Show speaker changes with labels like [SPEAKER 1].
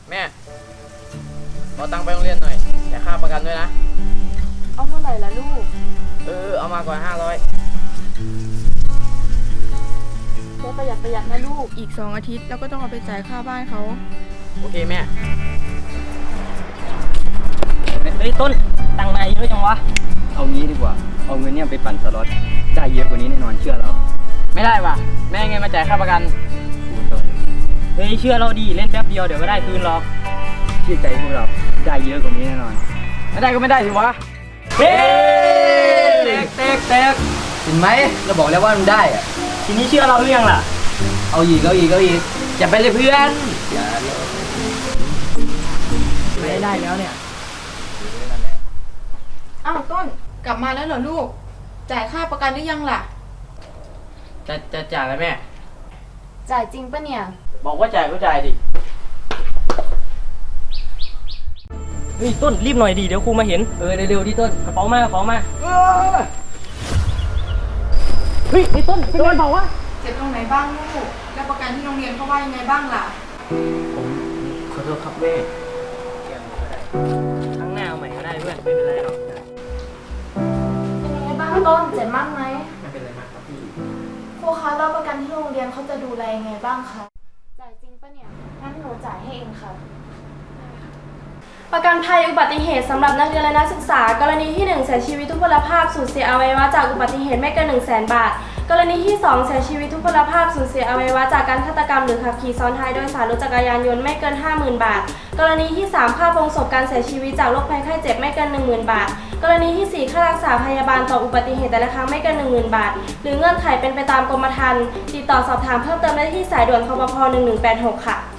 [SPEAKER 1] แม่ขอตังค์ไปโรงเรียนหน่อยแต่ค่าประกันด้วยนะ
[SPEAKER 2] เอาเท่าไหร่ล่ะลูก
[SPEAKER 1] เอามาก่อน500
[SPEAKER 2] ประหยัดนะลูกอีก2 อาทิตย์แล้วก็ต้องเอาไปจ่ายค่าบ้านเขา
[SPEAKER 1] โอเคแม่
[SPEAKER 3] เฮ้ยต้นตังค์นายเยอะจังวะเอางี้ดีกว่าเอาเงินเนี่ยไปปั่นสล็อตได้เยอะกว่านี้แน่นอนเชื่อเรา
[SPEAKER 1] ไม่ได้ว่ะแม่ไงมาจ่ายค่าประกัน
[SPEAKER 3] เฮ้ยเชื่อเราดีเล่นแป๊บเดียวเดี๋ยวก็ได้คืนหรอกเชื่อใจพวกเราได้เยอะกว่านี้แน่นอน
[SPEAKER 1] ไม่ได้ก็ไม่ได้สิวะ
[SPEAKER 3] เฮ้แตก
[SPEAKER 1] เห็นไหมเราบอกแล้วว่ามันได้อะ
[SPEAKER 3] ทีนี้เชื่อเราหรือยังล่ะ
[SPEAKER 1] เอาอีกอย่าไปเลยเพื่อน
[SPEAKER 3] ไม่ได้แล้วเนี่ย
[SPEAKER 2] อ้าวต้นกลับมาแล้วเหรอลูกจ่ายค่าประกันหรือยังล่ะ
[SPEAKER 1] จะจ่ายแล้วแม่
[SPEAKER 2] จ่ายจริงปะเนี่ย
[SPEAKER 1] บอกว่าจ่ายก็จ่ายดิ
[SPEAKER 3] เฮ้ยต้นรีบหน่อยดิเดี๋ยวครูมาเห็น
[SPEAKER 1] เร็วๆที่ต้น
[SPEAKER 3] กระเป๋ามากระเป๋ามาเฮ้ยไอ้ต้นเป็นไงบอกว่า
[SPEAKER 2] เจ็บตรงไหนบ้างลูกแล้วประกันที่โรงเรียนเขาว่ายังไงบ้างล่ะ
[SPEAKER 1] ผมขอโทษครับแม่
[SPEAKER 3] ครั้งหน้าเอาใหม่ก็ได้เพื่อนไม่เป็นไรหรอก
[SPEAKER 4] เป็นยังไงบ้างต้นเจ็บมากไหม
[SPEAKER 1] ไม่เป็นไรมากครับพี่
[SPEAKER 4] ครูคะแล้วประกันที่โรงเรียนเขาจะดูแลยังไงบ้างคะจ่ายจริงปะเนี่ยงั้นหนูจ่ายให้เองค่ะ
[SPEAKER 5] ประกันภัยอุบัติเหตุสำหรับนักเรียนและนักศึกษากรณีที่ 1 เสียชีวิตทุพพลภาพสูญเสียอวัยวะจากอุบัติเหตุไม่เกิน 100,000 บาทกรณีที่ 2 เสียชีวิตทุพพลภาพสูญเสียอวัยวะจากการฆาตกรรมหรือขับขี่ซ้อนท้ายโดยสารรถจักรยานยนต์ไม่เกิน 50,000 บาทกรณีที่ 3 ค่าโปรงศพการเสียชีวิตจากโรคภัยไข้เจ็บไม่เกิน 10,000 บาทกรณีที่ 4 ค่ารักษาพยาบาลต่ออุบัติเหตุแต่ละครั้งไม่เกิน 10,000 บาทหรือเงื่อนไขเป็นไปตามกรมธรรม์ติดต่อสอบถามเพิ่มเติมได้ที่สายด่วนคปภ.1186 ค่ะ